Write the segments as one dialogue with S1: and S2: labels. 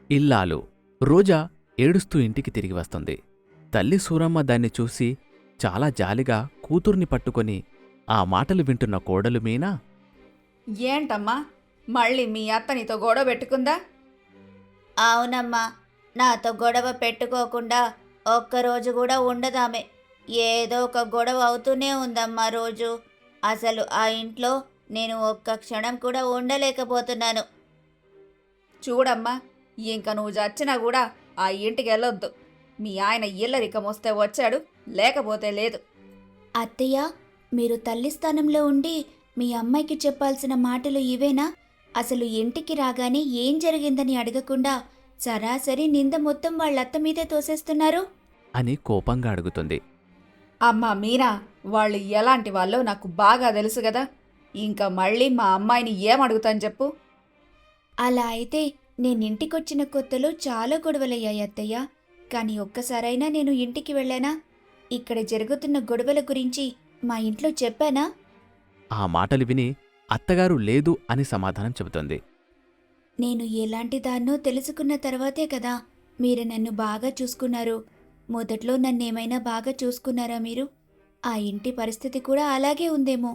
S1: ఇల్లాలు రోజా ఏడుస్తూ ఇంటికి తిరిగి వస్తుంది. తల్లి సూరమ్మ దాన్ని చూసి చాలా జాలిగా కూతుర్ని పట్టుకొని ఆ మాటలు వింటున్న కోడలు మీనా,
S2: ఏంటమ్మా, మళ్ళీ మీ అత్త నీతో గొడవ పెట్టుకుందా?
S3: అవునమ్మా, నాతో గొడవ పెట్టుకోకుండా ఒక్కరోజు కూడా ఉండదామె. ఏదో ఒక గొడవ అవుతూనే ఉందమ్మా రోజు. అసలు ఆ ఇంట్లో నేను ఒక్క క్షణం కూడా ఉండలేకపోతున్నాను.
S2: చూడమ్మా, ఇంక నువ్వు చచ్చినా కూడా ఆ ఇంటికి వెళ్ళొద్దు. మీ ఆయన ఇల్లరికం వస్తే వచ్చాడు, లేకపోతే లేదు.
S3: అత్తయ్య, మీరు తల్లి స్థానంలో ఉండి మీ అమ్మాయికి చెప్పాల్సిన మాటలు ఇవేనా? అసలు ఇంటికి రాగానే ఏం జరిగిందని అడగకుండా సరాసరి నింద మొత్తం వాళ్ళత్త మీదే తోసేస్తున్నారు.
S1: అని కోపంగా అడుగుతుంది.
S2: అమ్మా మీనా, వాళ్ళు ఎలాంటి వాళ్ళో నాకు బాగా తెలుసు కదా. ఇంకా మళ్ళీ మా అమ్మాయిని ఏమడుగుతాను చెప్పు.
S3: అలా అయితే నేనింటికొచ్చిన కొత్తలో చాలా గొడవలయ్యాయి అత్తయ్య. కానీ ఒక్కసారైనా నేను ఇంటికి వెళ్ళానా? ఇక్కడ జరుగుతున్న గొడవల గురించి మా ఇంట్లో చెప్పానా?
S1: ఆ మాటలు విని అత్తగారు లేదు అని సమాధానం చెబుతుంది.
S3: నేను ఎలాంటి దాన్నో తెలుసుకున్న తర్వాతే కదా మీరు నన్ను బాగా చూసుకున్నారు. మొదట్లో నన్నేమైనా బాగా చూసుకున్నారా మీరు? ఆ ఇంటి పరిస్థితి కూడా అలాగే ఉందేమో.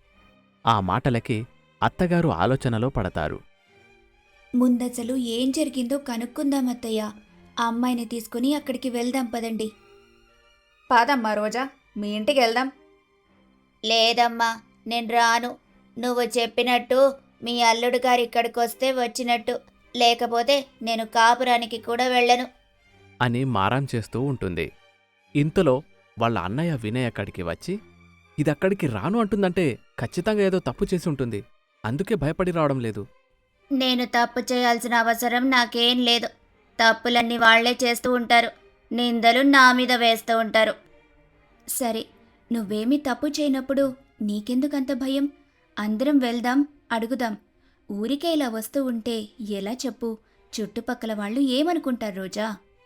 S1: ఆ మాటలకి అత్తగారు ఆలోచనలో పడతారు.
S3: ముందసలు ఏం జరిగిందో కనుక్కుందాం అత్తయ్య. ఆ అమ్మాయిని తీసుకుని అక్కడికి వెళ్దాం పదండి.
S2: పాదమ్మా రోజా, మీ ఇంటికి వెళ్దాం.
S3: లేదమ్మా, నేను రాను. నువ్వు చెప్పినట్టు మీ అల్లుడు గారు ఇక్కడికి వస్తే వచ్చినట్టు, లేకపోతే నేను కాపురానికి కూడా వెళ్ళను.
S1: అని మారాం చేస్తూ ఉంటుంది. ఇంతలో వాళ్ళ అన్నయ్య వినయ్ అక్కడికి వచ్చి, ఇదక్కడికి రాను అంటుందంటే ఖచ్చితంగా ఏదో తప్పు చేసి ఉంటుంది. అందుకే భయపడి రావడం లేదు.
S3: నేను తప్పు చేయాల్సిన అవసరం నాకేం లేదు. తప్పులన్నీ వాళ్లే చేస్తూ ఉంటారు. నిందలు నా మీద వేస్తూ ఉంటారు. సరే, నువ్వేమీ తప్పు చేయనప్పుడు నీకెందుకంత భయం? అందరం వెళ్దాం, అడుగుదాం. ఊరికే ఇలా వస్తూ ఉంటే ఎలా చెప్పు? చుట్టుపక్కల వాళ్ళు ఏమనుకుంటారు రోజా?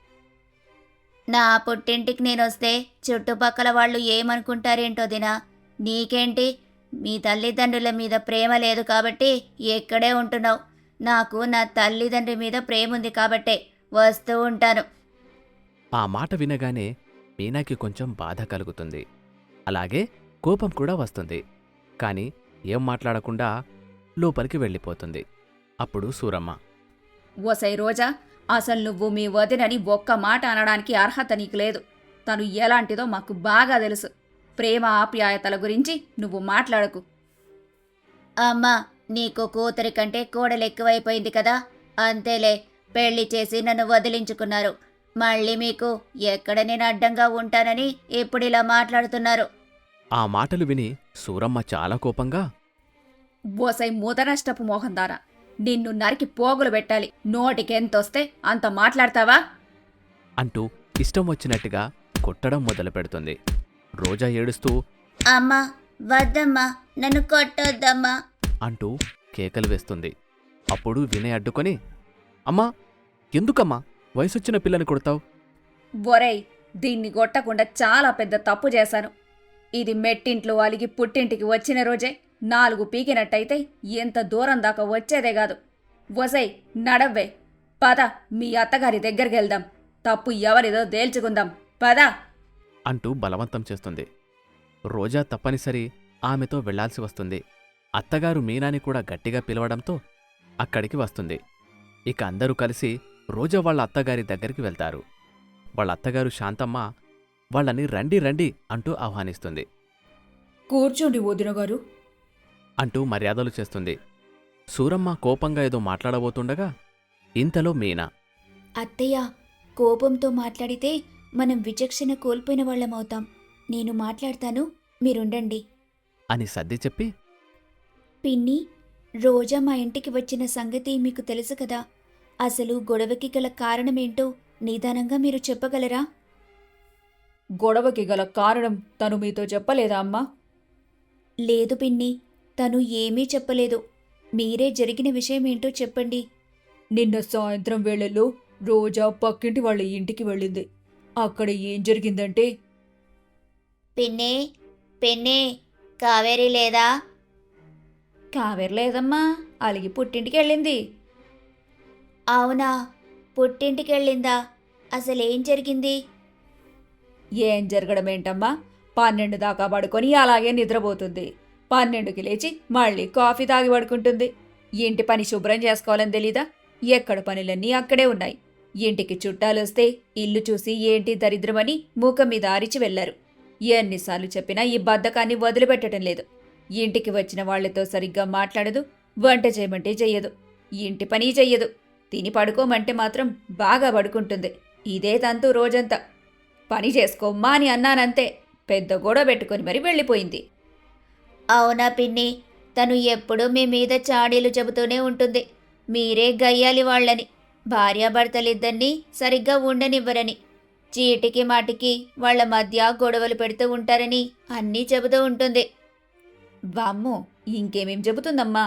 S3: నా పుట్టింటికి నేనొస్తే చుట్టుపక్కల వాళ్ళు ఏమనుకుంటారేంటో దినా. నీకేంటి? మీ తల్లిదండ్రుల మీద ప్రేమ లేదు కాబట్టి ఎక్కడే ఉంటున్నావు. నాకు నా తల్లిదండ్రి మీద ప్రేమ ఉంది కాబట్టే వస్తూ ఉంటాను.
S1: ఆ మాట వినగానే మీనాకి కొంచెం బాధ కలుగుతుంది. అలాగే కోపం కూడా వస్తుంది. కాని ఏం మాట్లాడకుండా లోపలికి వెళ్ళిపోతుంది. అప్పుడు సూరమ్మ,
S2: ఓసై రోజా, అసలు నువ్వు మీ వదినని ఒక్క మాట అనడానికి అర్హత నీకు లేదు. తను ఎలాంటిదో మాకు బాగా తెలుసు. ప్రేమ ఆప్యాయతల గురించి నువ్వు మాట్లాడకు.
S3: అమ్మా, నీకు కూతురి కంటే కోడలు ఎక్కువైపోయింది కదా. అంతేలే, పెళ్లి చేసి నన్ను వదిలించుకున్నారు. మళ్ళీ మీకు ఎక్కడ నేను అడ్డంగా ఉంటానని ఇప్పుడిలా మాట్లాడుతున్నారు.
S1: ఆ మాటలు విని సూరమ్మ చాలా కోపంగా,
S2: ఓసై ముదనష్టపు మోహందారా, నిన్ను నరికి పోగులు పెట్టాలి. నోటికెంతొస్తే అంత మాట్లాడతావా?
S1: అంటూ ఇష్టం వచ్చినట్టుగా కొట్టడం మొదలుపెడుతుంది. రోజా ఏడుస్తూ
S3: అమ్మా, వద్దమ్మా, నన్ను కొట్టొద్దమ్మా
S1: అంటూ కేకలు వేస్తుంది. అప్పుడు వినయ్ అడ్డుకొని, అమ్మా, ఎందుకమ్మా వయసొచ్చిన పిల్లని కొడతావు?
S2: ఒరేయ్, దీన్ని కొట్టకుండా చాలా పెద్ద తప్పు చేశాను. ఇది మెట్టింట్లో అలిగి పుట్టింటికి వచ్చిన రోజే 4 పీకినట్టయితే ఎంత దూరం దాకా వచ్చేదే కాదు. వసై, నడవ్వే. పద, మీ అత్తగారి దగ్గరికి వెళ్దాం. తప్పు ఎవరిదో తేల్చుకుందాం. పద
S1: అంటూ బలవంతం చేస్తుంది. రోజా తప్పనిసరి ఆమెతో వెళ్లాల్సి వస్తుంది. అత్తగారు మీనాని కూడా గట్టిగా పిలవడంతో అక్కడికి వస్తుంది. ఇక అందరూ కలిసి రోజా వాళ్ళ అత్తగారి దగ్గరికి వెళ్తారు. వాళ్ళ అత్తగారు శాంతమ్మ వాళ్ళని రండి రండి అంటూ ఆహ్వానిస్తుంది.
S2: కూర్చోండి వదినగారు
S1: అంటూ మర్యాదలు చేస్తుంది. సూరమ్మ కోపంగా ఏదో మాట్లాడబోతుండగా ఇంతలో మీనా,
S3: అత్తయ్య, కోపంతో మాట్లాడితే మనం విచక్షణ కోల్పోయిన వాళ్ళమవుతాం. నేను మాట్లాడతాను, మీరుండండి
S1: అని సర్ది చెప్పి,
S3: పిన్ని, రోజా మా ఇంటికి వచ్చిన సంగతి మీకు తెలుసు కదా. అసలు గొడవకి గల కారణమేంటో నిదానంగా మీరు చెప్పగలరా?
S2: గొడవకి గల కారణం తను మీతో చెప్పలేదా అమ్మా?
S3: లేదు పిన్ని, తను ఏమీ చెప్పలేదు. మీరే జరిగిన విషయమేంటో చెప్పండి.
S2: నిన్న సాయంత్రం వేళల్లో రోజా పక్కింటి వాళ్ళ ఇంటికి వెళ్ళింది. అక్కడ ఏం జరిగిందంటే,
S3: పిన్ని, పిన్ని, కావేరి లేదా?
S2: కావేరి లేదమ్మా, అలిగి పుట్టింటికి వెళ్ళింది.
S3: అవునా? పుట్టింటికెళ్ళిందా? అసలేం జరిగింది?
S2: ఏం జరగడమేంటమ్మా, 12 దాకా పడుకొని అలాగే నిద్రపోతుంది. 12కి లేచి మళ్ళీ కాఫీ తాగి పడుకుంటుంది. ఇంటి పని శుభ్రం చేసుకోవాలని తెలీదా? ఎక్కడ పనులన్నీ అక్కడే ఉన్నాయి. ఇంటికి చుట్టాలొస్తే ఇల్లు చూసి ఏంటి దరిద్రమని మూక మీద అరిచి వెళ్లారు. ఎన్నిసార్లు చెప్పినా ఈ బద్ధకాన్ని వదిలిపెట్టడం లేదు. ఇంటికి వచ్చిన వాళ్లతో సరిగ్గా మాట్లాడదు, వంట చేయమంటే చెయ్యదు, ఇంటి పని చెయ్యదు. తిని పడుకోమంటే మాత్రం బాగా పడుకుంటుంది. ఇదే తంతు రోజంతా. పని చేసుకోమ్మా అని అన్నానంతే, పెద్ద గొడవ పెట్టుకొని మరీ వెళ్ళిపోయింది.
S3: అవునా పిన్ని, తను ఎప్పుడూ మీ మీద చాడీలు చెబుతూనే ఉంటుంది. మీరే గయ్యాలి వాళ్ళని, భార్యాభర్తలిద్దరినీ సరిగ్గా ఉండనివ్వరని, చీటికి మాటికి వాళ్ళ మధ్య గొడవలు పెడుతూ ఉంటారని అన్నీ చెబుతూ ఉంటుంది.
S2: వామ్మో, ఇంకేమేం చెబుతుందమ్మా?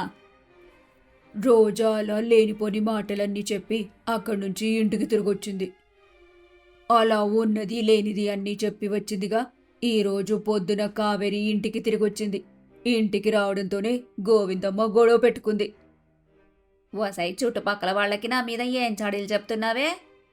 S2: రోజా అలా లేనిపోని మాటలన్నీ చెప్పి అక్కడి నుంచి ఇంటికి తిరిగొచ్చింది. అలా ఉన్నది లేనిది అన్నీ చెప్పి వచ్చిందిగా. ఈరోజు పొద్దున కావేరి ఇంటికి తిరిగొచ్చింది. ఇంటికి రావడంతోనే గోవిందమ్మ గొడవ పెట్టుకుంది. ఓసై, చుట్టుపక్కల వాళ్ళకి నా మీద ఏం చాడీలు చెప్తున్నావే?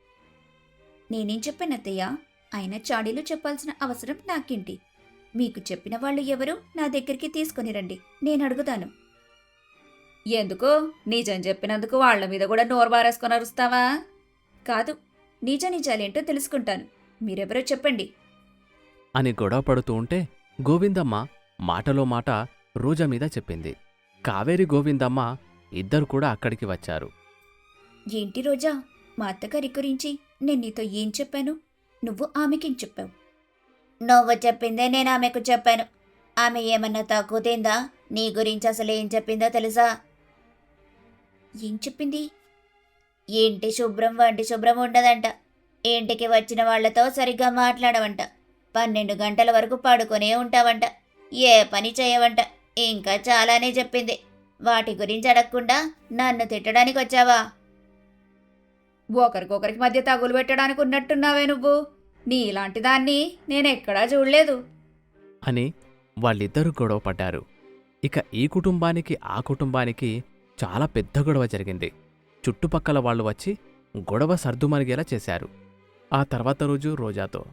S3: నేనేం చెప్పానత్తయ్య? అయినా చాడీలు చెప్పాల్సిన అవసరం నాకేంటి? మీకు చెప్పిన వాళ్ళు ఎవరు నా దగ్గరికి తీసుకుని రండి, నేను అడుగుతాను.
S2: ఎందుకు? నిజం చెప్పినందుకు వాళ్ల మీద కూడా నోరు బారేసుకొని అరుస్తావా?
S3: కాదు, నిజ నిజాలేంటో తెలుసుకుంటాను. మీరెవరో చెప్పండి.
S1: అని గొడవ పడుతూ ఉంటే గోవిందమ్మ మాటలో మాట రోజా మీద చెప్పింది. కావేరి గోవిందమ్మ ఇద్దరు కూడా అక్కడికి వచ్చారు.
S3: ఏంటి రోజా, మా అత్తగారి గురించి నేను నీతో ఏం చెప్పాను? నువ్వు ఆమెకేం చెప్పావు? నువ్వు చెప్పిందే నేను ఆమెకు చెప్పాను. ఆమె ఏమన్నా తక్కువ తిందా? నీ గురించి అసలు ఏం చెప్పిందో తెలుసా? ఏం చెప్పింది? ఇంటి శుభ్రం వంటి శుభ్రం ఉండదంట. ఇంటికి వచ్చిన వాళ్లతో సరిగ్గా మాట్లాడవంట. 12 గంటల వరకు పడుకునే ఉంటావంట. ఏ పని చేయవంట. ఇంకా చాలానే చెప్పింది. వాటి గురించి అడగకుండా నన్ను తిట్టడానికి వచ్చావా?
S2: ఒకరికొకరికి మధ్య తగులు పెట్టడానికి ఉన్నట్టున్నావే నువ్వు. నీలాంటి దాన్ని నేనెక్కడా చూడలేదు.
S1: అని వాళ్ళిద్దరూ గొడవ పడ్డారు. ఇక ఈ కుటుంబానికి ఆ కుటుంబానికి చాలా పెద్ద గొడవ జరిగింది. చుట్టుపక్కల వాళ్ళు వచ్చి గొడవ సర్దుమరిగేలా చేశారు. ఆ తర్వాత రోజు రోజాతో,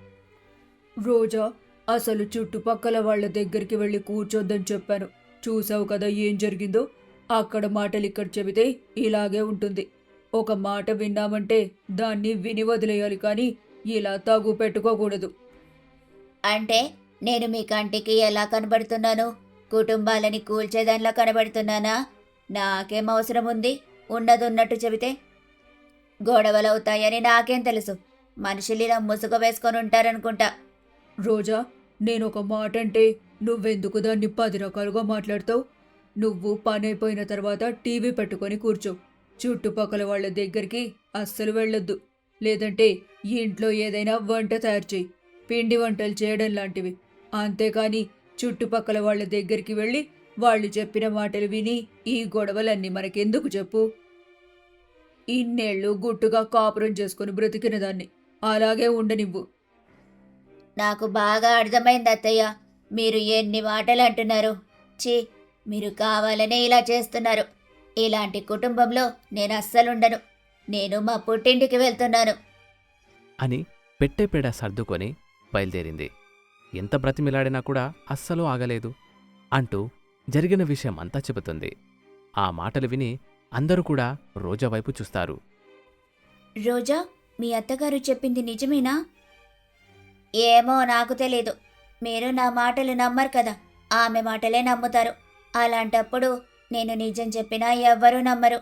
S2: రోజా, అసలు చుట్టుపక్కల వాళ్ళ దగ్గరికి వెళ్ళి కూర్చోద్దని చెప్పాను. చూసావు కదా ఏం జరిగిందో. అక్కడ మాటలు ఇక్కడ చెబితే ఇలాగే ఉంటుంది. ఒక మాట విన్నామంటే దాన్ని విని వదిలేయాలి, కానీ ఇలా తగు పెట్టుకోకూడదు.
S3: అంటే నేను మీ కంటికి ఎలా కనబడుతున్నాను? కుటుంబాలని కూల్చేదానిలా కనబడుతున్నానా? నాకేం అవసరం ఉంది ఉన్నదున్నట్టు చెబితే? గొడవలవుతాయని నాకేం తెలుసు? మనుషులు ఇలా ముసుగు వేసుకొని ఉంటారనుకుంటా.
S2: రోజా, నేనొక మాట అంటే నువ్వెందుకు దాన్ని 10 రకాలుగా మాట్లాడతావు? నువ్వు పని అయిపోయిన తర్వాత టీవీ పెట్టుకొని కూర్చో. చుట్టుపక్కల వాళ్ళ దగ్గరికి అస్సలు వెళ్ళొద్దు. లేదంటే ఇంట్లో ఏదైనా వంట తయారు చేయి, పిండి వంటలు చేయడం లాంటివి. అంతేకాని చుట్టుపక్కల వాళ్ళ దగ్గరికి వెళ్ళి వాళ్ళు చెప్పిన మాటలు విని ఈ గొడవలన్నీ మనకెందుకు చెప్పు? ఇన్నేళ్ళు గుట్టుగా కాపురం చేసుకుని బ్రతికిన దాన్ని అలాగే ఉండనివ్వు.
S3: నాకు బాగా అర్థమైంది అత్తయ్య. మీరు ఎన్ని మాటలు అంటున్నారు. ఛీ, మీరు కావాలనే ఇలా చేస్తున్నారు. ఇలాంటి కుటుంబంలో నేను అస్సలుండను. నేను మా పుట్టింటికి వెళ్తున్నాను
S1: అని పెట్టెపేడ సర్దుకొని బయలుదేరింది. ఎంత బ్రతిమిలాడినా కూడా అస్సలు ఆగలేదు అంటూ జరిగిన విషయం అంతా చెబుతుంది. ఆ మాటలు విని అందరూ కూడా రోజా వైపు చూస్తారు.
S3: రోజా, మీ అత్తగారు చెప్పింది నిజమేనా? ఏమో నాకు తెలీదు. మీరు నా మాటలు నమ్మరు కదా, ఆమె మాటలే నమ్ముతారు. అలాంటప్పుడు నేను నిజం చెప్పినా ఎవ్వరూ నమ్మరు.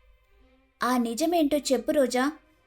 S3: ఆ నిజమేంటో చెప్పు రోజా.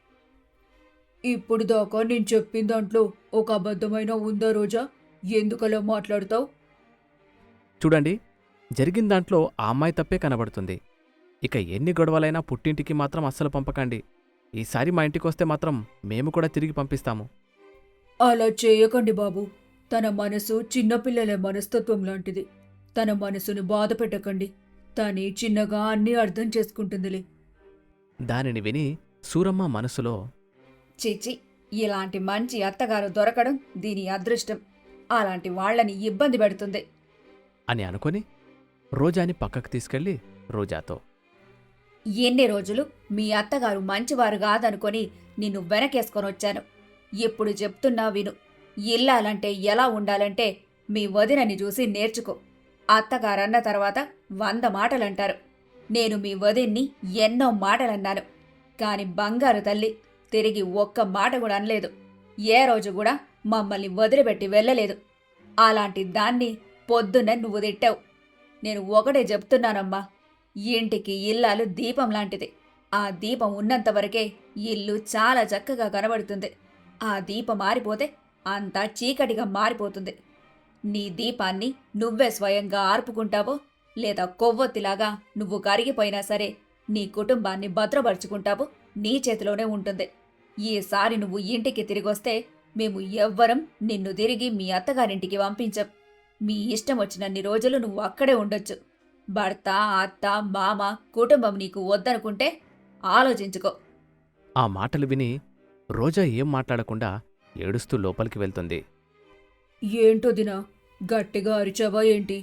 S2: ఇప్పుడు దాకా నేను చెప్పిన దాంట్లో ఒక అబద్ధమైనా ఉందా రోజా? ఎందుకలా మాట్లాడతావు?
S1: చూడండి, జరిగిన దాంట్లో ఆ అమ్మాయి తప్పే కనబడుతుంది. ఇక ఎన్ని గొడవలైనా పుట్టింటికి మాత్రం అస్సలు పంపకండి. ఈసారి మా ఇంటికొస్తే మాత్రం మేము కూడా తిరిగి పంపిస్తాము.
S2: అలా చేయకండి బాబు. తన మనసు చిన్నపిల్లల మనస్తత్వం లాంటిది. తన మనసును బాధ పెట్టకండి. తని చిన్నగా అన్నీ అర్థం చేసుకుంటుందిలే.
S1: దానిని విని సూరమ్మ మనసులో,
S2: చిచి, ఇలాంటి మంచి అత్తగారు దొరకడం దీని అదృష్టం. అలాంటి వాళ్ళని ఇబ్బంది పెడుతుంది
S1: అని అనుకొని రోజాని పక్కకు తీసుకెళ్లి రోజాతో,
S2: ఎన్ని రోజులు మీ అత్తగారు మంచివారు కాదనుకొని నిన్ను వెనకేసుకొని వచ్చాను. ఇప్పుడు చెప్తున్నా విను. ఇల్లాలంటే ఎలా ఉండాలంటే మీ వదినని చూసి నేర్చుకో. అత్తగారన్న తర్వాత 100 మాటలంటారు. నేను మీ వదిన్ని ఎన్నో మాటలన్నాను. కాని బంగారు తల్లి తిరిగి ఒక్క మాట కూడా అనలేదు. ఏ రోజు కూడా మమ్మల్ని వదిలిపెట్టి వెళ్ళలేదు. అలాంటి దాన్ని పొద్దున్న నువ్వు తిట్టావు. నేను ఒకటే చెప్తున్నానమ్మా, ఇంటికి ఇల్లాలు దీపం లాంటిది. ఆ దీపం ఉన్నంతవరకే ఇల్లు చాలా చక్కగా కనబడుతుంది. ఆ దీపం మారిపోతే అంతా చీకటిగా మారిపోతుంది. నీ దీపాన్ని నువ్వే స్వయంగా ఆర్పుకుంటావో లేదా కొవ్వొత్తిలాగా నువ్వు కరిగిపోయినా సరే నీ కుటుంబాన్ని భద్రపరుచుకుంటావో నీ చేతిలోనే ఉంటుంది. ఈసారి నువ్వు ఇంటికి తిరిగొస్తే మేము ఎవ్వరం నిన్ను తిరిగి మీ అత్తగారింటికి పంపించం. మీ ఇష్టం వచ్చినన్ని రోజులు నువ్వు అక్కడే ఉండొచ్చు. భర్త, అత్త, మామ, కుటుంబం నీకు వద్దనుకుంటే ఆలోచించుకో.
S1: ఆ మాటలు విని రోజా ఏం మాట్లాడకుండా ఏడుస్తూ లోపలికి వెళ్తుంది.
S2: ఏంటో దినా, గట్టిగా అరిచావా ఏంటి?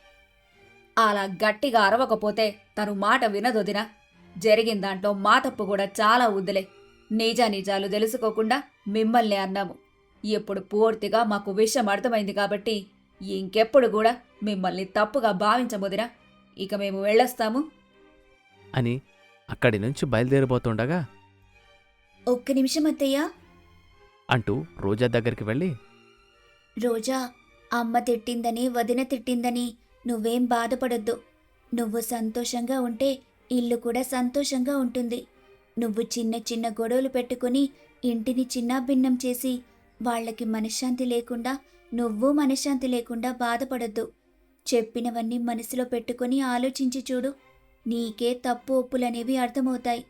S2: అలా గట్టిగా అరవకపోతే తను మాట వినదొదినా. జరిగిన దాంట్లో మా తప్పు కూడా చాలా వద్దులే. నిజాలు తెలుసుకోకుండా మిమ్మల్ని అన్నాము. ఇప్పుడు పూర్తిగా మాకు విషయం అర్థమైంది కాబట్టి ఇంకెప్పుడు కూడా మిమ్మల్ని తప్పుగా భావించముదినా. ఇక మేము వెళ్ళొస్తాము
S1: అని అక్కడి నుంచి బయలుదేరబోతుండగా
S3: ఒక్క నిమిషం అత్తయ్యా.
S1: అంటూ రోజా దగ్గరికి వెళ్ళి,
S3: రోజా, అమ్మ తిట్టిందని వదిన తిట్టిందని నువ్వేం బాధపడొద్దు. నువ్వు సంతోషంగా ఉంటే ఇల్లు కూడా సంతోషంగా ఉంటుంది. నువ్వు చిన్న చిన్న గొడవలు పెట్టుకుని ఇంటిని చిన్నాభిన్నం చేసి వాళ్ళకి మనశ్శాంతి లేకుండా నువ్వు మనశ్శాంతి లేకుండా బాధపడొద్దు. చెప్పినవన్నీ మనసులో పెట్టుకుని ఆలోచించి చూడు. నీకే తప్పు ఒప్పులనేవి అర్థమవుతాయి.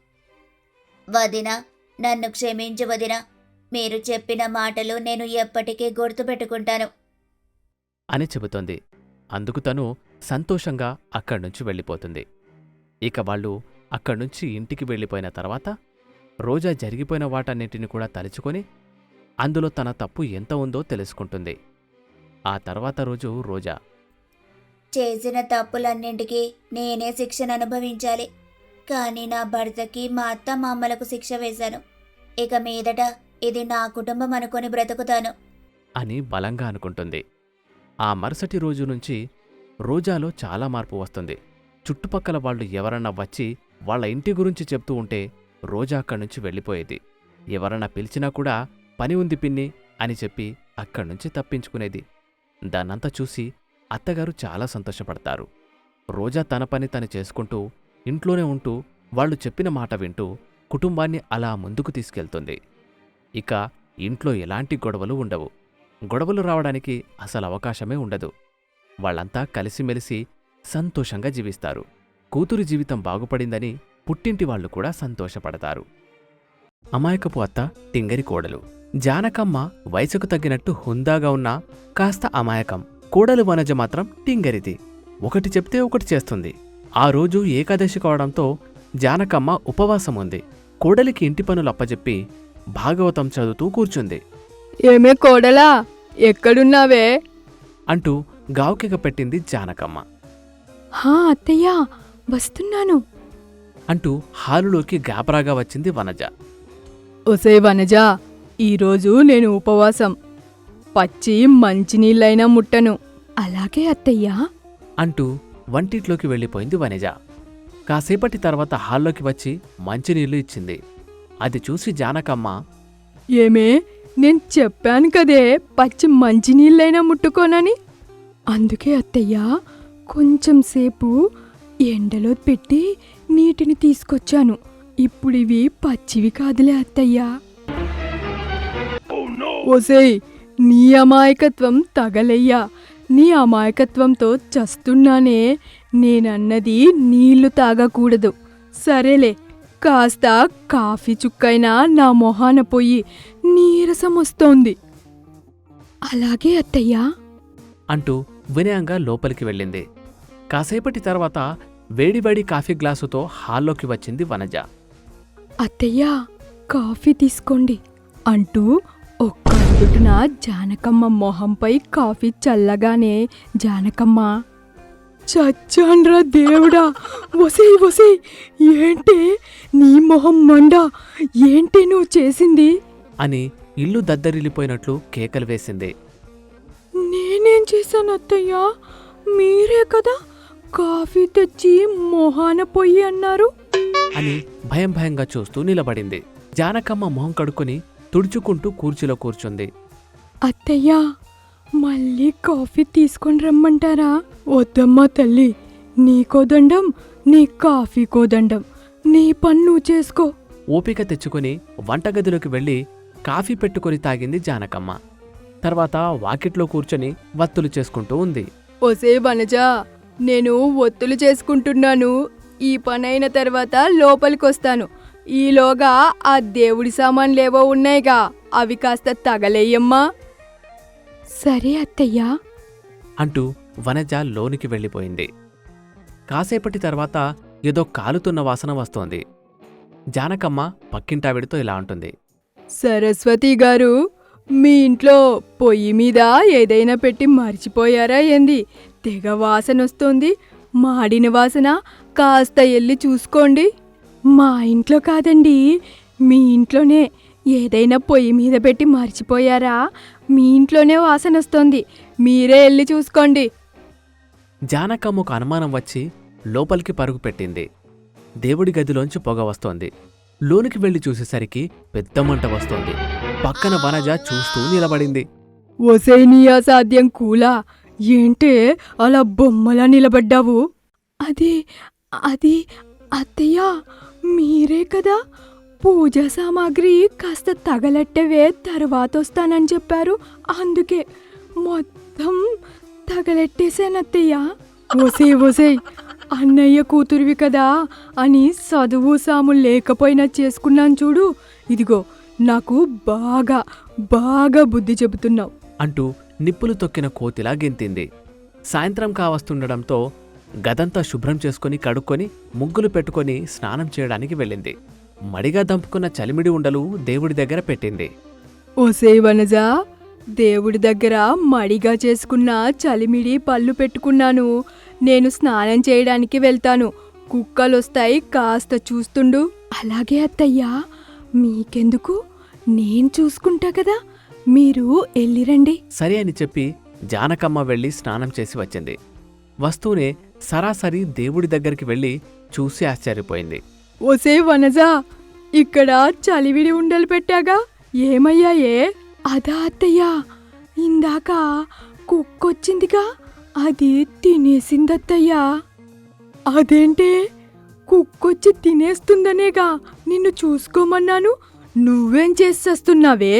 S3: వదినా, నన్ను క్షమించు వదినా. మీరు చెప్పిన మాటలు నేను ఎప్పటికీ గుర్తుపెట్టుకుంటాను
S1: అని చెబుతోంది. అందుకు తను సంతోషంగా అక్కడ్నుంచి వెళ్ళిపోతుంది. ఇక వాళ్ళు అక్కడ్నుంచి ఇంటికి వెళ్ళిపోయిన తర్వాత రోజా జరిగిపోయిన వాటన్నింటిని కూడా తలుచుకొని అందులో తన తప్పు ఎంత ఉందో తెలుసుకుంటుంది. ఆ తర్వాత రోజు రోజా
S3: చేసిన తప్పులన్నింటికీ నేనే శిక్షను అనుభవించాలి. కానీ నా భర్తకి మా అత్త మామలకు శిక్ష వేశాను. ఇక మీదట ఇది నా కుటుంబం అనుకొని బ్రతుకుతాను
S1: అని బలంగా అనుకుంటుంది. ఆ మరుసటి రోజు నుంచి రోజాలో చాలా మార్పు వస్తుంది. చుట్టుపక్కల వాళ్ళు ఎవరన్నా వచ్చి వాళ్ళ ఇంటి గురించి చెప్తూ ఉంటే రోజా అక్కడ్నుంచి వెళ్ళిపోయేది. ఎవరన్నా పిలిచినా కూడా పని ఉంది పిన్ని అని చెప్పి అక్కడ్నుంచి తప్పించుకునేది. దాన్నంతా చూసి అత్తగారు చాలా సంతోషపడతారు. రోజా తన పని తను చేసుకుంటూ ఇంట్లోనే ఉంటూ వాళ్ళు చెప్పిన మాట వింటూ కుటుంబాన్ని అలా ముందుకు తీసుకెళ్తుంది. ఇక ఇంట్లో ఎలాంటి గొడవలు ఉండవు. గొడవలు రావడానికి అసలు అవకాశమే ఉండదు. వాళ్ళంతా కలిసిమెలిసి సంతోషంగా జీవిస్తారు. కూతురి జీవితం బాగుపడిందని పుట్టింటి వాళ్ళు కూడా సంతోషపడతారు. అమాయకపు అత్త టింగరి కోడలు. జానకమ్మ వయసుకు తగ్గినట్టు హుందాగా ఉన్నా కాస్త అమాయకం. కోడలు వనజ మాత్రం టింగరిది. ఒకటి చెప్తే ఒకటి చేస్తుంది. ఆ రోజు ఏకాదశి కావడంతో జానకమ్మ ఉపవాసం ఉంది. కోడలికి ఇంటి పనులు అప్పజెప్పి భాగవతం చదువుతూ కూర్చుంది.
S4: ఏమే కోడలా, ఎక్కడున్నావే
S1: అంటూ గావుకెగ పెట్టింది జానకమ్మ.
S4: హా అత్తయ్యా, వస్తున్నాను.
S1: అంటూ హాలులోకి గాబరాగా వచ్చింది వనజ.
S4: ఒసే వనజా, ఈరోజు నేను ఉపవాసం. పచ్చి మంచినీళ్ళైనా ముట్టను. అలాగే అత్తయ్యా
S1: అంటూ వంటిట్లోకి వెళ్ళిపోయింది వనజ. కాసేపటి తర్వాత హాల్లోకి వచ్చి మంచినీళ్లు ఇచ్చింది. అది చూసి జానకమ్మ,
S4: ఏమే, నేను చెప్పాను కదే పచ్చి మంచినీళ్ళైనా ముట్టుకోనని. అందుకే అత్తయ్యా కొంచెం సేపు ఎండలో పెట్టి నీటిని తీసుకొచ్చాను. ఇప్పుడివి పచ్చివి కాదులే అత్తయ్యా. ఓసేయ్, నీ అమాయకత్వం తగలయ్యా. నీ అమాయకత్వంతో చస్తున్నానే. నేనన్నది నీళ్లు తాగకూడదు. సరేలే, కాస్త కాఫీ చుక్కైనా నా మొహాన పోయి నీరసం వస్తోంది. అలాగే అత్తయ్యా
S1: అంటూ వినయంగా లోపలికి వెళ్ళింది. కాసేపటి తర్వాత వేడివేడి కాఫీ గ్లాసుతో హాల్లోకి వచ్చింది వనజ.
S4: అత్తయ్యా, కాఫీ తీసుకోండి అంటూ ఒక్కడుగున జానకమ్మ మొహంపై కాఫీ చల్లగానే, జానకమ్మ, చచ్చాన్రా దేవుడా! ఒసేయ్ ఒసేయ్, ఏంటే నీ మొహం మండ, ఏంటి నువ్వు చేసింది?
S1: అని ఇల్లు దద్దరిల్లిపోయినట్లు కేకలు వేసింది.
S4: నేనేం చేశాను అత్తయ్యా? మీరే కదా కాఫీ తెచ్చి మొహాన పొయ్యి అన్నారు.
S1: అని భయం భయంగా చూస్తూ నిలబడింది. జానకమ్మ మొహం కడుక్కొని తుడుచుకుంటూ కుర్చీలో కూర్చుంది.
S4: అత్తయ్యా, మళ్ళీ కాఫీ తీసుకొని రమ్మంటారా? వద్దమ్మా తల్లి, నీకో దండం, నీ కాఫీకో దండం. నీ పని నువ్వు చేసుకో.
S1: ఓపిక తెచ్చుకొని వంటగదిలోకి వెళ్ళి కాఫీ పెట్టుకొని తాగింది జానకమ్మ. తర్వాత వాకిట్లో కూర్చొని వత్తులు చేసుకుంటూ ఉంది.
S4: ఒసే వనజా, నేను ఒత్తులు చేసుకుంటున్నాను. ఈ పనైన తర్వాత లోపలికొస్తాను. ఈలోగా ఆ దేవుడి సామాన్లేవో ఉన్నాయిగా, అవి కాస్త తగలేయమ్మా. సరే అత్తయ్యా
S1: అంటూ వనజ లోనికి వెళ్ళిపోయింది. కాసేపటి తర్వాత ఏదో కాలుతున్న వాసన వస్తోంది. జానకమ్మ పక్కింటావిడితో ఇలా అంటుంది.
S4: సరస్వతి గారు, మీ ఇంట్లో పొయ్యి మీద ఏదైనా పెట్టి మర్చిపోయారా ఏంది? తెగ వాసనొస్తోంది, మాడిన వాసన. కాస్త ఎల్లి చూసుకోండి. మా ఇంట్లో కాదండి, మీ ఇంట్లోనే ఏదైనా పొయ్యి మీద పెట్టి మర్చిపోయారా? మీ ఇంట్లోనే వాసనొస్తోంది, మీరే ఎల్లి చూసుకోండి.
S1: జానకమ్మకు అనుమానం వచ్చి లోపలికి పరుగు పెట్టింది. దేవుడి గదిలోంచి పొగ వస్తోంది. లోనికి వెళ్లి చూసేసరికి పెద్ద మంట వస్తోంది. పక్కన వనజ చూస్తూ నిలబడింది.
S4: ఒసేయ్ నీ అసాధ్యం కూలా, ఏంటే అలా బొమ్మలా నిలబడ్డావు? అది అది అత్తయ్యా, మీరే కదా పూజా సామాగ్రి కాస్త తగలెట్టవే, తర్వాతొస్తానని చెప్పారు. అందుకే మొత్తం తగలెట్టేశానత్తయ్యా. ఒసేయ్ ఒసేయ్, అన్నయ్య కూతురివి కదా అని చదువు సాము లేకపోయినా చేసుకున్నాను చూడు. ఇదిగో నాకు బాగా బాగా బుద్ధి చెబుతున్నావు
S1: అంటూ నిప్పులు తొక్కిన కోతిలా గెంతింది. సాయంత్రం కావస్తుండడంతో గదంతా శుభ్రం చేసుకుని కడుక్కొని ముగ్గులు పెట్టుకొని స్నానం చేయడానికి వెళ్ళింది. మడిగా దంపుకున్న చలిమిడి ఉండలు దేవుడి దగ్గర పెట్టింది.
S4: ఓసే వనజా, దేవుడి దగ్గర మడిగా చేసుకున్న చలిమిడి పళ్ళు పెట్టుకున్నాను. నేను స్నానం చేయడానికి వెళ్తాను. కుక్కలొస్తాయి, కాస్త చూస్తుండు. అలాగే అత్తయ్యా, మీకెందుకు, నేను చూసుకుంటా కదా, మీరు ఎల్లిరండి.
S1: సరే అని చెప్పి జానకమ్మ వెళ్ళి స్నానం చేసి వచ్చింది. వస్తూనే సరాసరి దేవుడి దగ్గరికి వెళ్ళి చూసి ఆశ్చర్యపోయింది.
S4: ఓసే వనజా, ఇక్కడ చలివిడి ఉండలు పెట్టాగా, ఏమయ్యాయే? అదా అత్తయ్యా, ఇందాక కుక్కొచ్చిందిగా, అది తినేసిందత్తయ్యా. అదేంటే, కుక్కొచ్చి తినేస్తుందనేగా నిన్ను చూసుకోమన్నాను, నువ్వేం చేసేస్తున్నావే?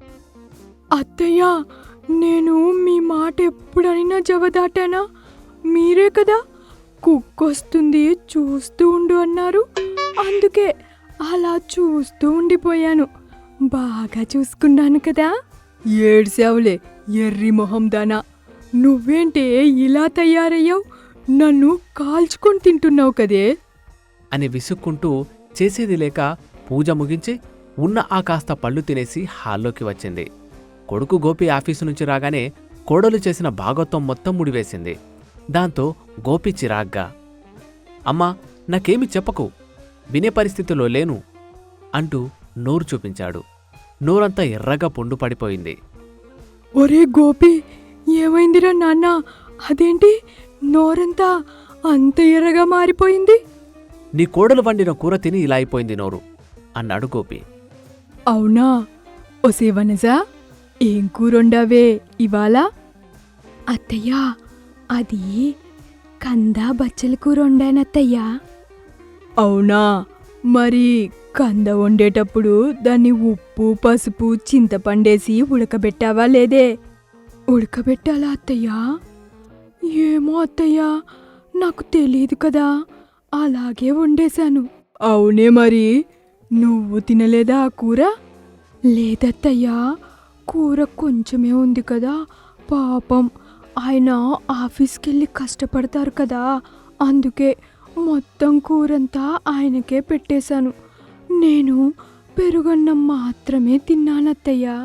S4: అత్తయ్యా, నేను మీ మాట ఎప్పుడైనా జవదాటానా? మీరే కదా కుక్కొస్తుంది చూస్తూ ఉండు అన్నారు. అందుకే అలా చూస్తూ ఉండిపోయాను. బాగా చూసుకున్నాను కదా. ఏడ్సావులే ఎర్రి మొహం దానా, నువ్వేంటే ఇలా తయారయ్యావు? నన్ను కాల్చుకొని తింటున్నావు కదే
S1: అని విసుక్కుంటూ చేసేది లేక పూజ ముగించి ఉన్న ఆ కాస్త పళ్ళు తినేసి హాల్లోకి వచ్చింది. కొడుకు గోపి ఆఫీసు నుంచి రాగానే కోడలు చేసిన భాగోత్వం మొత్తం ముడివేసింది. దాంతో గోపి చిరాగ్గా, అమ్మా నాకేమి చెప్పకు, వినే పరిస్థితిలో లేను అంటూ నోరు చూపించాడు. నోరంతా ఎర్రగా పుండు పడిపోయింది.
S4: ఒరే గోపి, ఏమైందిరా నాన్న? అదేంటి నోరంతా అంత ఎర్రగా మారిపోయింది?
S1: నీ కోడలు వండిన కూర తిని ఇలా అయిపోయింది నోరు అన్నాడు గోపి.
S4: అవునా? ఒసే వనజా, ఏం కూరొండావే ఇవాళ? అత్తయ్యా, అది కందా బచ్చల కూర వండానత్తయ్యా. అవునా? మరి కంద వండేటప్పుడు దాన్ని ఉప్పు పసుపు చింతపండేసి ఉడకబెట్టావా లేదే? ఉడకబెట్టాలా అత్తయ్యా? ఏమో అత్తయ్యా, నాకు తెలియదు కదా, అలాగే వండేశాను. అవునే మరి, నువ్వు తినలేదా ఆ కూర? లేదత్తయ్యా, కూర కొంచెమే ఉంది కదా, పాపం ఆయన ఆఫీస్కెళ్ళి కష్టపడతారు కదా, అందుకే మొత్తం కూరంతా ఆయనకే పెట్టేశాను. నేను పెరుగన్నం మాత్రమే తిన్నానత్తయ్యా.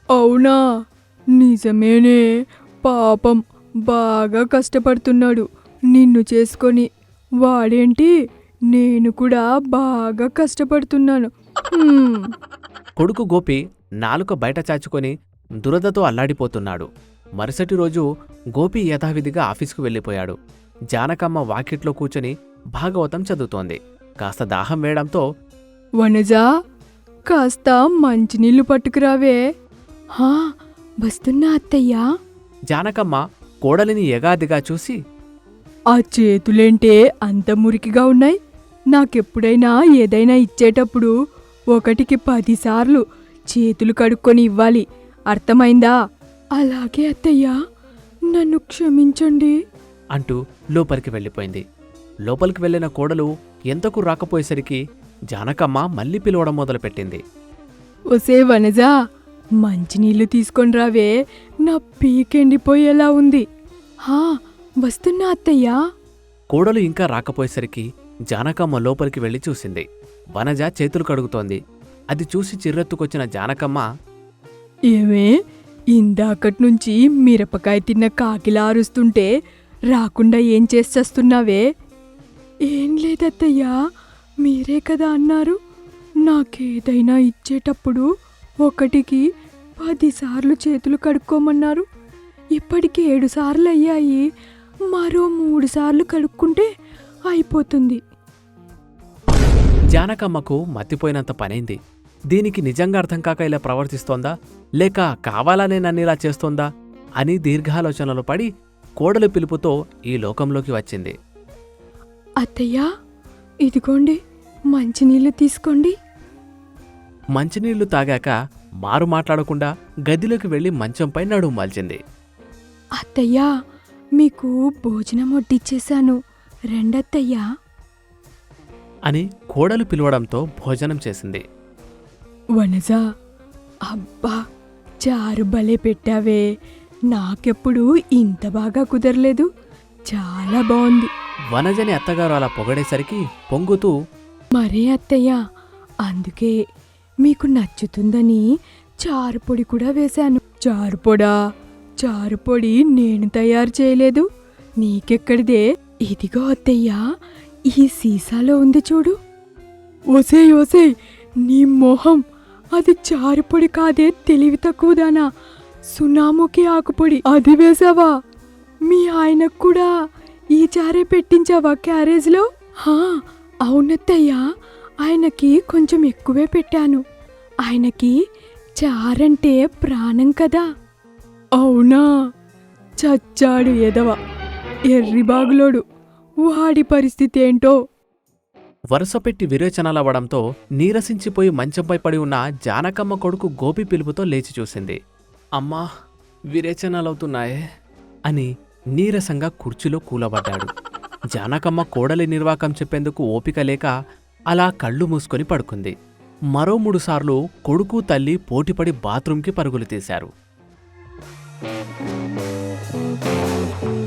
S4: అవునా? నిజమేనే, పాపం బాగా కష్టపడుతున్నాడు. నిన్ను చేసుకొని వాడేంటి నేను కూడా బాగా కష్టపడుతున్నాను. హ్మ్.
S1: కొడుకు గోపి నాలుక బయట చాచుకొని దురదతో అల్లాడిపోతున్నాడు. మరుసటి రోజు గోపి యథావిధిగా ఆఫీసుకు వెళ్ళిపోయాడు. జానకమ్మ వాకిట్లో కూర్చొని భాగవతం చదువుతోంది. కాస్త దాహం వేయడంతో,
S4: వనజా, కాస్త మంచినీళ్ళు పట్టుకురావే. హా, వస్తున్నా అత్తయ్యా.
S1: జానకమ్మ కోడలిని ఎగాదిగా చూసి,
S4: ఆ చేతులేంటే అంత మురికిగా ఉన్నాయి? నాకెప్పుడైనా ఏదైనా ఇచ్చేటప్పుడు 1కి 10 సార్లు చేతులు కడుక్కొని ఇవ్వాలి, అర్థమైందా? అలాగే అత్తయ్యా, నన్ను క్షమించండి
S1: అంటూ లోపలికి వెళ్ళిపోయింది. లోపలికి వెళ్ళిన కోడలు ఎంతకు రాకపోయేసరికి జానకమ్మ మళ్ళీ పిలవడం మొదలుపెట్టింది.
S4: ఒసే వనజా, మంచినీళ్ళు తీసుకొని రావే, నా పీకెండిపోయేలా ఉంది. హా, వస్తున్నా అత్తయ్యా.
S1: కోడలు ఇంకా రాకపోయేసరికి జానకమ్మ లోపలికి వెళ్లి చూసింది. వనజ చేతులు కడుగుతోంది. అది చూసి చిర్రెత్తుకొచ్చిన జానకమ్మ,
S4: ఏమే, ఇందాకట్నుంచి మిరపకాయ తిన్న కాకిలా అరుస్తుంటే రాకుండా ఏం చేసేస్తున్నావే? ఏం లేదత్తయ్యా, మీరే కదా అన్నారు నాకేదైనా ఇచ్చేటప్పుడు 1కి 10 సార్లు చేతులు కడుక్కోమన్నారు. ఇప్పటికి 7 సార్లు అయ్యాయి, మరో 3 సార్లు కడుక్కుంటే అయిపోతుంది.
S1: జానకమ్మకు మతిపోయినంత పనైంది. దీనికి నిజంగా అర్థం కాక ఇలా ప్రవర్తిస్తోందా, లేక కావాలనే నన్నిలా చేస్తోందా అని దీర్ఘాలోచనలు పడి కోడలు పిలుపుతో ఈ లోకంలోకి వచ్చింది.
S4: అత్తయ్యా, ఇదిగోండి మంచినీళ్ళు తీసుకోండి.
S1: మంచినీళ్లు తాగాక మారు మాట్లాడకుండా గదిలోకి వెళ్లి మంచంపై నడుము మాల్చింది.
S4: అత్తయ్యా, మీకు భోజనం వడ్డిచ్చేశాను, రెండత్తయ్యా.
S1: అని కోడలు పిలవడంతో భోజనం చేసింది.
S4: వనజా, అబ్బా, చారు భలే పెట్టావే, నాకెప్పుడు ఇంత బాగా కుదరలేదు, చాలా బాగుంది.
S1: వనజని అత్తగారు అలా పొగడేసరికి పొంగుతూ,
S4: మరే అత్తయ్యా, అందుకే మీకు నచ్చుతుందని చారుపొడి కూడా వేశాను. చారుపొడా? చారుపొడి నేను తయారు చేయలేదు, నీకెక్కడిదే? ఇదిగో అత్తయ్యా, ఈ సీసాలో ఉంది చూడు. ఓసేయ్ ఓసేయ్, నీ మొహం, అది చారుపొడి కాదే, తెలివి తక్కువదానా, సునాముకి ఆకుపొడి, అది వేసావా? మీ ఆయనకు కూడా ఈ చారే పెట్టించావా క్యారేజ్లో? హా, అవునత్తయ్యా, ఆయనకి కొంచెం ఎక్కువే పెట్టాను, ఆయనకి చారంటే ప్రాణం కదా. అవునా? చచ్చాడు ఎదవ, ఎర్రిబాగులోడు, వాడి పరిస్థితి ఏంటో.
S1: వరుసపెట్టి విరేచనాలవ్వడంతో నీరసించిపోయి మంచంపై పడి ఉన్న జానకమ్మ కొడుకు గోపి పిలుపుతో లేచి చూసింది. అమ్మా, విరేచనాలవుతున్నాయే అని నీరసంగా కుర్చీలో కూలబడ్డాడు. జానకమ్మ కోడలి నిర్వాకం చెప్పేందుకు ఓపిక లేక అలా కళ్ళు మూసుకొని పడుకుంది. మరో 3 సార్లు కొడుకు తల్లి పోటీపడి బాత్రూంకి పరుగులు తీశారు.